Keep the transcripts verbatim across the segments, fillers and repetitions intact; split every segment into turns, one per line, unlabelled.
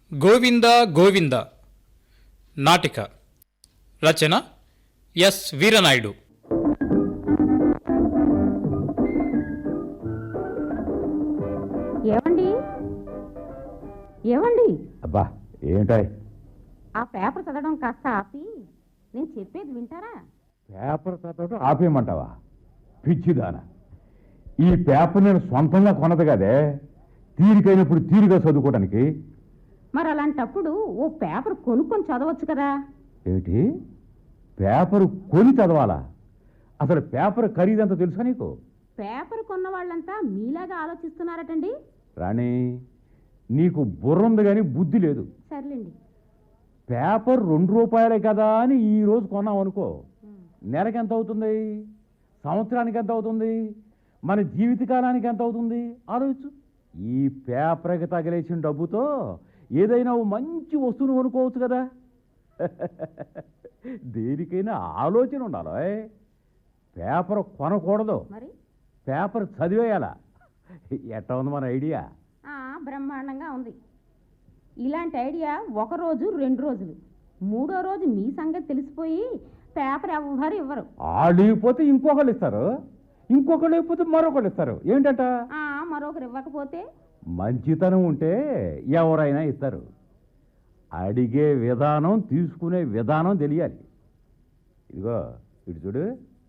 గోవింద గోవింద నాటిక రచన ఎస్ వీరనాయుడు.
ఏమండి ఏమండి
అబ్బా ఏంటాయ్?
ఆ పేపర్ చదవడం కాస్త ఆపి నేను చెప్పేది వింటారా?
పేపర్ చదవడం ఆపేయమంటావా? పిచ్చిదానా, ఈ పేపర్ నేను సొంతంగా కొనదు కదే, తీరికైనప్పుడు తీరిగా చదువుకోవడానికి.
మరి అలాంటప్పుడు ఓ పేపర్ కొనుక్కొని చదవచ్చు కదా.
ఏమిటి, పేపర్ కొని చదవాలా? అసలు పేపర్ ఖరీదంతా తెలుసా నీకు?
పేపర్ కొన్న వాళ్ళంతా మీలాగా ఆలోచిస్తున్నారటండి.
రాణి, నీకు బుర్ర ఉంది కానీ బుద్ధి లేదు.
సర్లేండి.
పేపర్ రెండు రూపాయలే కదా అని ఈ రోజు కొన్నాం అనుకో, నెలకి ఎంత అవుతుంది? సంవత్సరానికి ఎంత అవుతుంది? మన జీవితకాలానికి ఎంత అవుతుంది? ఆలోచించు. ఈ పేపర్కి తగిలేసిన డబ్బుతో ఏదైనా ఓ మంచి వస్తువును కొనుక్కోవచ్చు కదా. దేనికైనా ఆలోచన ఉండాలి. పేపర్ కొనకూడదు,
మరి
పేపర్ చదివేయాలా. ఎట్లా ఉంది మన ఐడియా?
ఆ, బ్రహ్మాండంగా ఉంది. ఇలాంటి ఐడియా ఒక రోజు రెండు రోజులు, మూడో రోజు మీ సంగతి తెలిసిపోయి పేపర్ ఎవ్వరు ఇవ్వరు.
వాళ్ళు ఇవ్వకపోతే ఇంకొకళ్ళు ఇస్తారు, ఇంకొకళ్ళు ఇవ్వకపోతే మరొకళ్ళు ఇస్తారు. ఏంటంట?
ఆ, మరొకరు ఇవ్వకపోతే?
మంచితనం ఉంటే ఎవరైనా ఇస్తారు. అడిగే విధానం, తీసుకునే విధానం తెలియాలి. ఇదిగో ఇటు చూడు,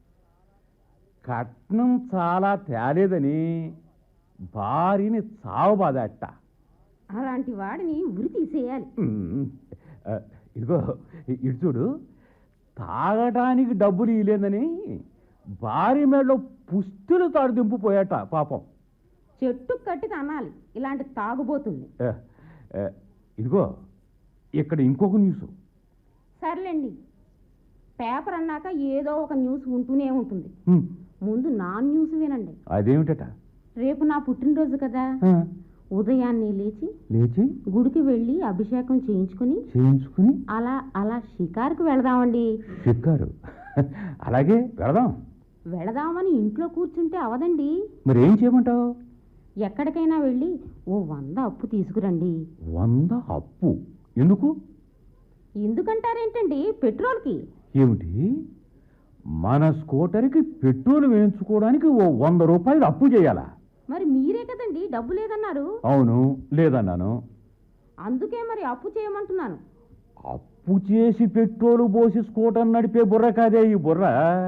కట్నం చాలా తేలేదని భార్యని చావబాదట.
అలాంటి వాడిని ఉరి తీసేయాలి.
ఇదిగో ఇటు చూడు, తాగటానికి డబ్బులు ఇవ్వలేదని భార్య మేడలో పుస్తులు తాడు దింపుపోయాట పాపం.
చెట్టు కట్టి తనాలి ఇలాంటి తాగుబోతుంది.
ఇదిగో ఇక్కడ ఇంకొక న్యూస్.
సర్లేండి, పేపర్ అన్నాక ఏదో ఒక న్యూస్ ఉంటూనే ఉంటుంది. ముందు నా న్యూస్ వినండి.
అదేమిటట?
రేపు నా పుట్టినరోజు కదా, ఉదయాన్నే లేచి
లేచి
గుడికి వెళ్ళి అభిషేకం చేయించుకుని
చేయించుకుని
అలా అలా షికారుకు వెళదామండి.
షికారు? అలాగే వెళదాం.
వెళదామని ఇంట్లో కూర్చుంటే అవదండి.
మరి ఏం చేయమంటావు?
ఎక్కడికైనా వెళ్ళి ఓ వంద అప్పు తీసుకురండి.
వంద అప్పు ఎందుకు?
ఎందుకంటారేంటండి, పెట్రోల్కి.
ఏమిటి, మన స్కూటర్కి పెట్రోల్ వేయించుకోవడానికి ఓ వంద రూపాయలు అప్పు చేయాలా?
మరి మీరే కదండి డబ్బు లేదన్నారు.
అవును, లేదన్నాను.
అందుకే మరి అప్పు చేయమంటున్నాను.
అప్పు చేసి పెట్రోలు పోసి స్కూటర్ నడిపే బుర్ర కాదే ఈ బుర్ర.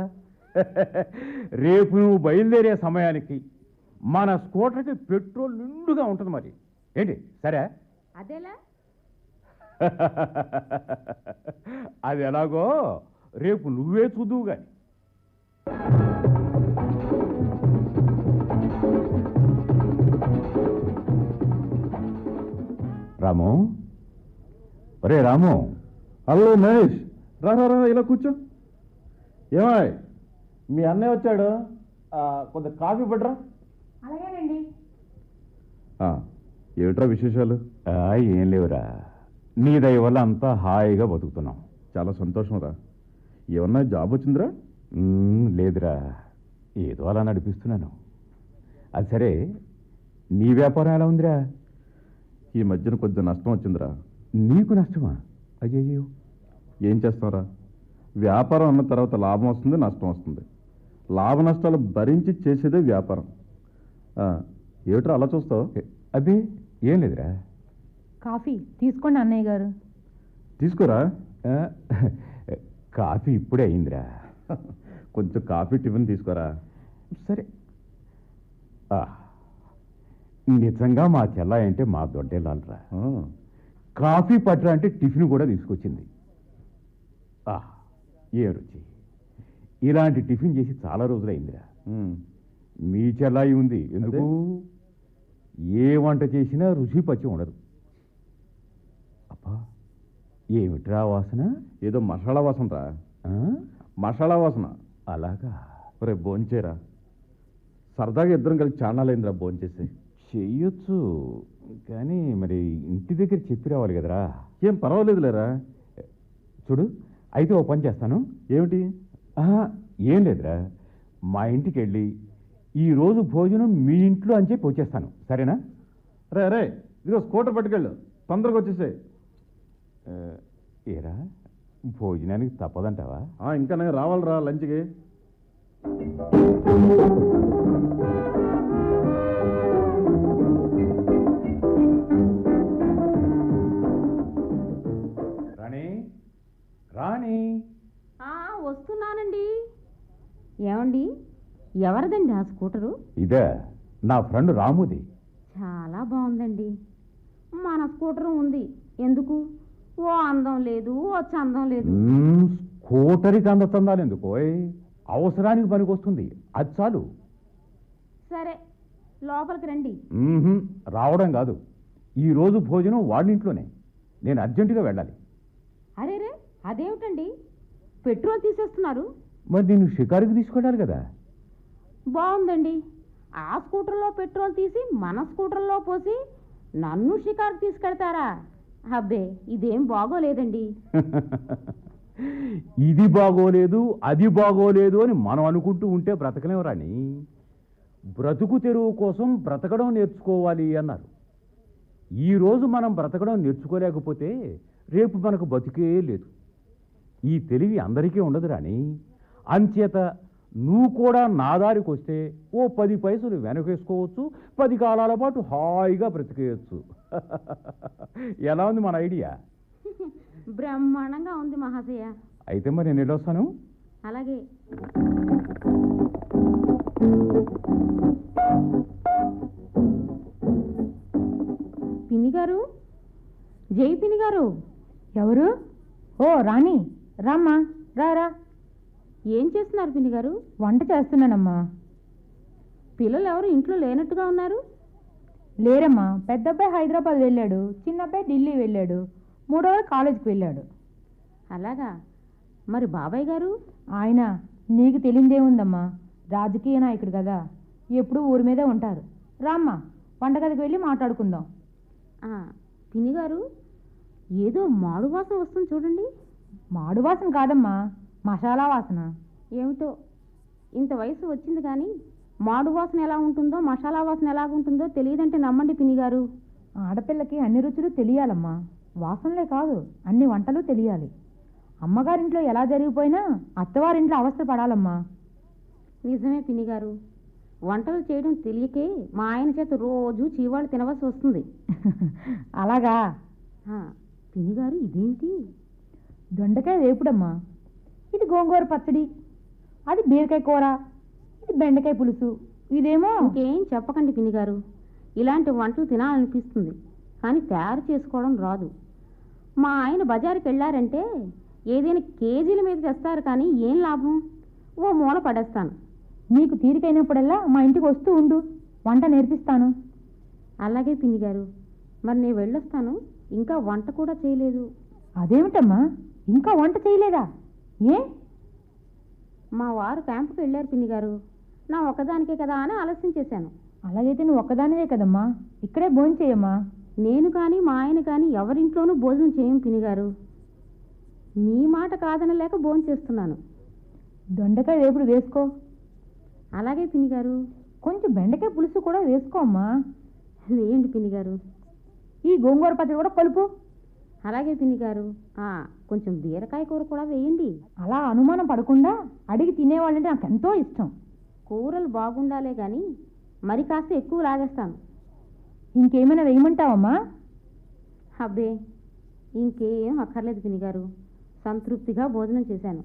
రేపు నువ్వు బయలుదేరే సమయానికి మన స్కూటర్కి పెట్రోల్ నిండుగా ఉంటుంది. మరి ఏంటి, సరే?
అదేలా?
అది ఎలాగో రేపు నువ్వే చూదువు గాని. రాము, ఒరే రాము.
హలో మహేష్, రా రా రా, ఇలా కూర్చో. ఏమాయ్, మీ అన్నయ్య వచ్చాడు, కొంత కాఫీ పడరా.
అలాగేనండి.
ఏమిట్రా విశేషాలు?
ఆ, ఏం లేవురా, నీ దయ వల్ల అంతా హాయిగా బతుకుతున్నాం.
చాలా సంతోషం రా. ఏమన్నా జాబ్ వచ్చిందిరా?
ఉమ్, లేదురా, ఏదో అలా నడిపిస్తున్నాను. అది సరే, నీ వ్యాపారం ఎలా ఉందిరా?
ఈ మధ్యన కొద్దిగా నష్టం వచ్చిందిరా.
నీకు నష్టమా? అయ్యయ్యో.
ఏం చేస్తావురా, వ్యాపారం అన్న తర్వాత లాభం వస్తుంది, నష్టం వస్తుంది. లాభ నష్టాలు భరించి చేసేదే వ్యాపారం. ఏమిట్రా అలా చూస్తావు?
అబ్బే ఏం లేదురా.
కాఫీ తీసుకోండి అన్నయ్య గారు.
తీసుకోరా.
ఆ, కాఫీ ఇప్పుడే అయిందిరా.
కొంచెం కాఫీ టిఫిన్ తీసుకోరా.
సరే. ఆ, నిజంగా మా చెల్లాయి అంటే మా దొడ్డేలాలరా. కాఫీ పట్రా అంటే టిఫిన్ కూడా తీసుకొచ్చింది. ఆ, ఏ రుచి! ఇలాంటి టిఫిన్ చేసి చాలా రోజులైందిరా. మీ చెల్లాయి ఉంది ఎందుకు? ఏ వంట చేసినా రుచి పచ్చి ఉండదు. అబ్బా, ఏమిట్రా వాసన?
ఏదో మసాలా వాసన రా. మసాలా వాసన.
అలాగా?
రే భోంచేరా, సరదాగా ఇద్దరం కలిసి చాన్నాలైందిరా భోంచేసి.
చెయ్యొచ్చు, కానీ మరి ఇంటి దగ్గర చెప్పి రావాలి కదరా.
ఏం పర్వాలేదు లేరా.
చూడు, అయితే ఓ పని చేస్తాను.
ఏమిటి?
ఏం లేదురా, మా ఇంటికి వెళ్ళి ఈరోజు భోజనం మీ ఇంట్లో అని చెప్పి వచ్చేస్తాను, సరేనా?
రే రే, ఇదిగో స్కూటర్ పట్టుకెళ్ళు. తొందరగా వచ్చేసాయి.
ఆ, ఏరా భోజనానికి తప్పదంటావా?
ఇంకా నేను రావాలిరా లంచ్కి.
రాణి రాణి
ఆ, వస్తున్నానండి. ఏమండి, ఎవరిదండి ఆ స్కూటరు?
ఇదే నా ఫ్రెండ్ రాముది.
చాలా బాగుందండి. మన స్కూటర్ ఉంది, ఎందుకు? ఓ అందం లేదు, ఓ చందం లేదు.
మ్మ్, స్కూటర్కి అందతందాలు ఎందుకు? అవసరానికి పనికొస్తుంది, అది చాలు.
సరే, లోపలికి రండి.
మ్మ్హ్మ్, రావడం కాదు, ఈరోజు భోజనం వాళ్ళ ఇంట్లోనే. నేను అర్జెంటుగా వెళ్ళాలి.
అరేరే, అదేమిటండి, పెట్రోల్ తీసేస్తున్నారు?
మరి నేను షికారుకి తీసుకెళ్ళాలి కదా.
బాగుందండి. ఆ స్కూటర్లో పెట్రోల్ తీసి మన స్కూటర్లో పోసి నన్ను షికారు తీసుకెళ్తారా? అబ్బే, ఇదేం బాగోలేదండి.
ఇది బాగోలేదు, అది బాగోలేదు అని మనం అనుకుంటూ ఉంటే బ్రతకలేం రాణి. బ్రతుకు తెరువు కోసం బ్రతకడం నేర్చుకోవాలి అన్నారు. ఈరోజు మనం బ్రతకడం నేర్చుకోలేకపోతే రేపు మనకు బతికే లేదు. ఈ తెలివి అందరికీ ఉండదు రాణి. అంచేత నువ్వు కూడా నా దారికి వస్తే ఓ పది పైసలు వెనకేసుకోవచ్చు, పది కాలాల పాటు హాయిగా బ్రతికేయచ్చు. ఎలా ఉంది మన ఐడియా?
బ్రహ్మాండంగా ఉంది మహాశయ.
అయితే మరి నేను వెళ్ళొస్తాను.
అలాగే. పిన్ని గారు, జై పిన్ని గారు.
ఎవరు? ఓ రాణి, రామ్మా, రా రా.
ఏం చేస్తున్నారు పిన్ని గారు?
వంట చేస్తున్నానమ్మా.
పిల్లలు ఎవరు ఇంట్లో లేనట్టుగా ఉన్నారు?
లేరమ్మా, పెద్దబ్బాయి హైదరాబాద్ వెళ్ళాడు, చిన్నబ్బాయి ఢిల్లీ వెళ్ళాడు, మూడోవాడు కాలేజీకి వెళ్ళాడు.
అలాగా. మరి బాబాయ్ గారు?
ఆయన నీకు తెలియదేముందమ్మా, రాజకీయ నాయకుడు కదా, ఎప్పుడూ ఊరి మీదే ఉంటారు. రామ్మా, వంటగదికి వెళ్ళి మాట్లాడుకుందాం.
ఆ, పిన్ని గారు, ఏదో మాడు వాసన వస్తుంది చూడండి.
మాడు వాసన కాదమ్మా, మసాలా వాసన.
ఏమిటో, ఇంత వయసు వచ్చింది కానీ మాడు వాసన ఎలా ఉంటుందో, మసాలా వాసన ఎలాగుంటుందో తెలియదంటే నమ్మండి పిన్ని గారు.
ఆడపిల్లకి అన్ని రుచులు తెలియాలమ్మా, వాసనలే కాదు అన్ని వంటలు తెలియాలి. అమ్మగారింట్లో ఎలా జరిగిపోయినా అత్తవారింట్లో అవస్థ పడాలమ్మా.
నిజమే పిన్ని గారు, వంటలు చేయడం తెలియకే మా ఆయన చేత రోజు చీవాళ్ళు తినవలసి వస్తుంది.
అలాగా?
ఆ, పిన్ని గారు, ఇదేంటి?
దొండకాయ వేపుడమ్మా, ఇది గోంగూర పచ్చడి, అది బీరకాయ కూర, ఇది బెండకాయ పులుసు, ఇదేమో.
ఇంకేం చెప్పకండి పిన్ని గారు, ఇలాంటి వంటలు తినాలనిపిస్తుంది కానీ తయారు చేసుకోవడం రాదు. మా ఆయన బజారుకి వెళ్ళారంటే ఏదైనా కేజీల మీద తెస్తారు కానీ ఏం లాభం, ఓ మూల పడేస్తాను.
నీకు తీరికైనప్పుడల్లా మా ఇంటికి వస్తూ ఉండు, వంట నేర్పిస్తాను.
అలాగే పిన్ని గారు, మరి నేను వెళ్ళొస్తాను, ఇంకా వంట కూడా చేయలేదు.
అదేమిటమ్మా, ఇంకా వంట చేయలేదా? ఏ?
మా వారు క్యాంపుకి వెళ్ళారు పిన్ని గారు, నా ఒక్కదానికే కదా అని ఆలస్యం చేశాను.
అలాగైతే నువ్వు ఒక్కదానివే కదమ్మా, ఇక్కడే భోజనం చేయమ్మా.
నేను కానీ మా ఆయన కానీ ఎవరింట్లోనూ భోజనం చేయం పిన్ని గారు. మీ మాట కాదనలేక భోజనం చేస్తున్నాను.
దొండకాయ వేపుడు వేసుకో.
అలాగే పిన్ని గారు.
కొంచెం బెండకాయ పులుసు కూడా వేసుకో అమ్మా.
వేయండి పిన్ని గారు.
ఈ గోంగూర పచ్చడి కూడా కలుపు.
అలాగే పిన్ని గారు. కొంచెం బీరకాయ కూర కూడా వేయండి.
అలా అనుమానం పడకుండా అడిగి తినేవాళ్ళంటే నాకు ఎంతో ఇష్టం.
కూరలు బాగుండాలే కానీ మరి కాస్త ఎక్కువ లాగేస్తాను.
ఇంకేమైనా వేయమంటావమ్మా?
అబ్బే, ఇంకేం అక్కర్లేదు పిన్ని గారు, సంతృప్తిగా భోజనం చేశాను.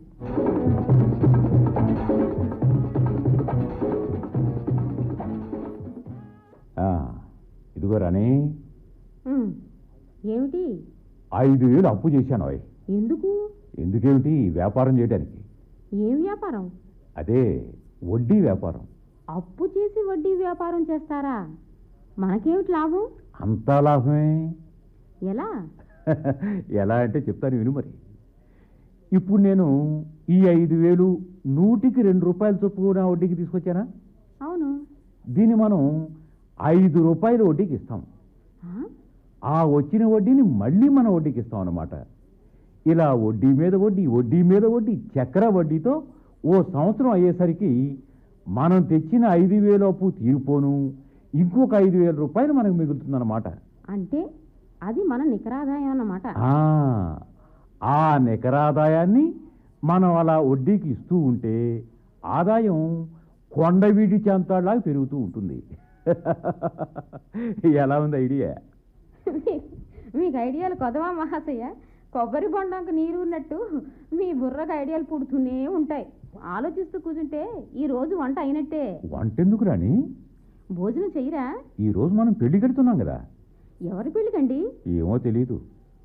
ఇదిగో రాణి,
ఉమ్, ఏమిటి?
ఐదు వేలు అప్పు చేశాను. అవి
ఎందుకు?
ఎందుకేమిటి? వ్యాపారం చేయడానికి.
ఏం వ్యాపారం?
అదే వడ్డీ వ్యాపారం.
అప్పు చేసి వడ్డీ వ్యాపారం చేస్తారా? మనకేమిటి లాభం?
అంతా లాభమే.
ఎలా?
ఎలా అంటే చెప్తాను విను. మరి ఇప్పుడు నేను ఈ ఐదు వేలు నూటికి రెండు రూపాయలు చొప్పున వడ్డీకి తీసుకొచ్చానా?
అవును.
దీన్ని మనం ఐదు రూపాయలు వడ్డీకి ఇస్తాం. ఆ వచ్చిన వడ్డీని మళ్ళీ మన వడ్డీకి ఇస్తాం అన్నమాట. ఇలా వడ్డీ మీద వడ్డీ, వడ్డీ మీద వడ్డీ, చక్ర వడ్డీతో ఓ సంవత్సరం అయ్యేసరికి మనం తెచ్చిన ఐదు వేలు అప్పు తీరిపోను, ఇంకొక ఐదు వేల రూపాయలు మనకు మిగులుతుందన్నమాట.
అంటే అది మన నికరాదాయం అన్నమాట.
ఆ, ఆ నికరాదాయాన్ని మనం అలా వడ్డీకి ఇస్తూ ఉంటే ఆదాయం కొండవీడి చెంతాడులాగా పెరుగుతూ ఉంటుంది. ఎలా ఉంది ఐడియా?
మీకు ఐడియాలు కొదవా మహాశయ? కొబ్బరి బొండంకు నీరు ఉన్నట్టు మీ బుర్రకు ఐడియాలు పుడుతూనే ఉంటాయి. ఆలోచిస్తూ కూర్చుంటే ఈ రోజు వంట అయినట్టే.
వంటెందుకు రాని?
భోజనం చెయ్యరా?
ఈ రోజు మనం పెళ్లి కడుతున్నాం కదా.
ఎవరి పెళ్ళికండి?
ఏమో తెలీదు.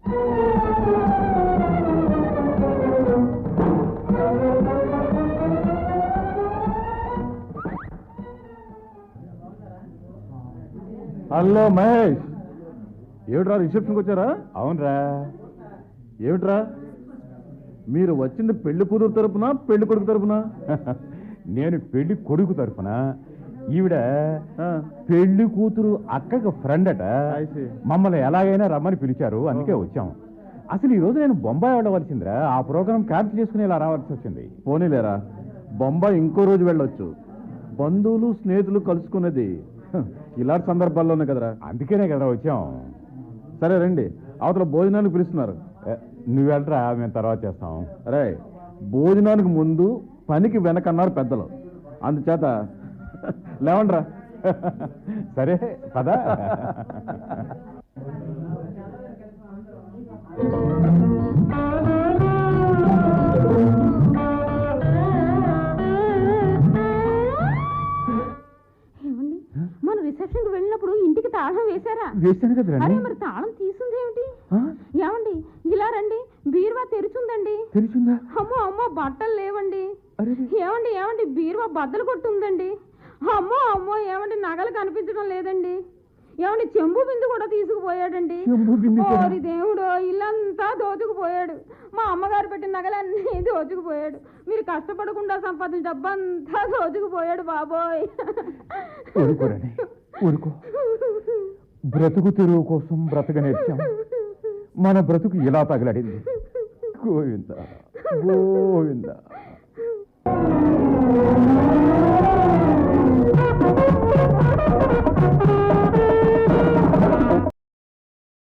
హలో మహేష్, ఏమిట్రా రిసెప్షన్కి వచ్చారా?
అవునరా.
ఏమిట్రా మీరు వచ్చింది పెళ్లి కూతురు తరపున పెళ్లి కొడుకు తరపున?
నేను పెళ్లి కొడుకు తరఫున, ఈవిడ
ఆ,
పెళ్లి కూతురు అక్కకు ఫ్రెండ్ అట.
I see.
మమ్మల్ని ఎలాగైనా రమ్మని పిలిచారు, అందుకే వచ్చాం. అసలు ఈ రోజు నేను బొంబాయి వెళ్ళవలసిందిరా, ఆ ప్రోగ్రాం క్యాన్సిల్ చేసుకుని ఇలా రావాల్సి వచ్చింది.
పోనీలేరా, బొంబాయి ఇంకో రోజు వెళ్ళొచ్చు. బంధువులు స్నేహితులు కలుసుకునేది హ, ఇలాంటి సందర్భాల్లోనే కదరా.
అందుకేనే కదా వచ్చాం.
సరే రండి, అవతల భోజనానికి పిలుస్తున్నారు.
ఏ, నువ్వు వెళ్ళరా, మేము తర్వాత చేస్తాం.
అరే, భోజనానికి ముందు పనికి వెనకన్నారు పెద్దలు, అందుచేత లేవండ్రా.
సరే పదా.
ఏమండి, మన రిసెప్షన్కి వెళ్ళినప్పుడు ఇంటికి తాళం వేశారా?
వేస్తాను కదా
అరే
రండి.
మరి తాళం తీసుందేమిటి? ఏమండి, ఇలా రండి, బీరువా తెరుచుందండి.
తెలిసిందా?
అమ్మో అమ్మో, బట్టలు లేవండి.
అరే
ఏమండి ఏమండి, బీరువా బద్దలు కొట్టుందండి. అమ్మో అమ్మో, ఏమండి నగలు కనిపించడం లేదండి. ఏమండి, చెంబు బిందు కూడా తీసుకుపోయాడండి.
చెంబు బిందె కూడా?
ఓరి దేవుడు, ఇల్లంతా దోచుకుపోయాడు. మా అమ్మగారు పెట్టిన నగలన్నీ దోచుకుపోయాడు. మీరు కష్టపడకుండా సంపాదించిన డబ్బంతా దోచుకుపోయాడు బాబోయ్.
ఊరుకోరండి, ఊరుకో. బ్రతుకు తెరువు కోసం బ్రతక నేర్చాం, మన బ్రతుకు ఇలా తగలడింది. గోవింద గోవింద.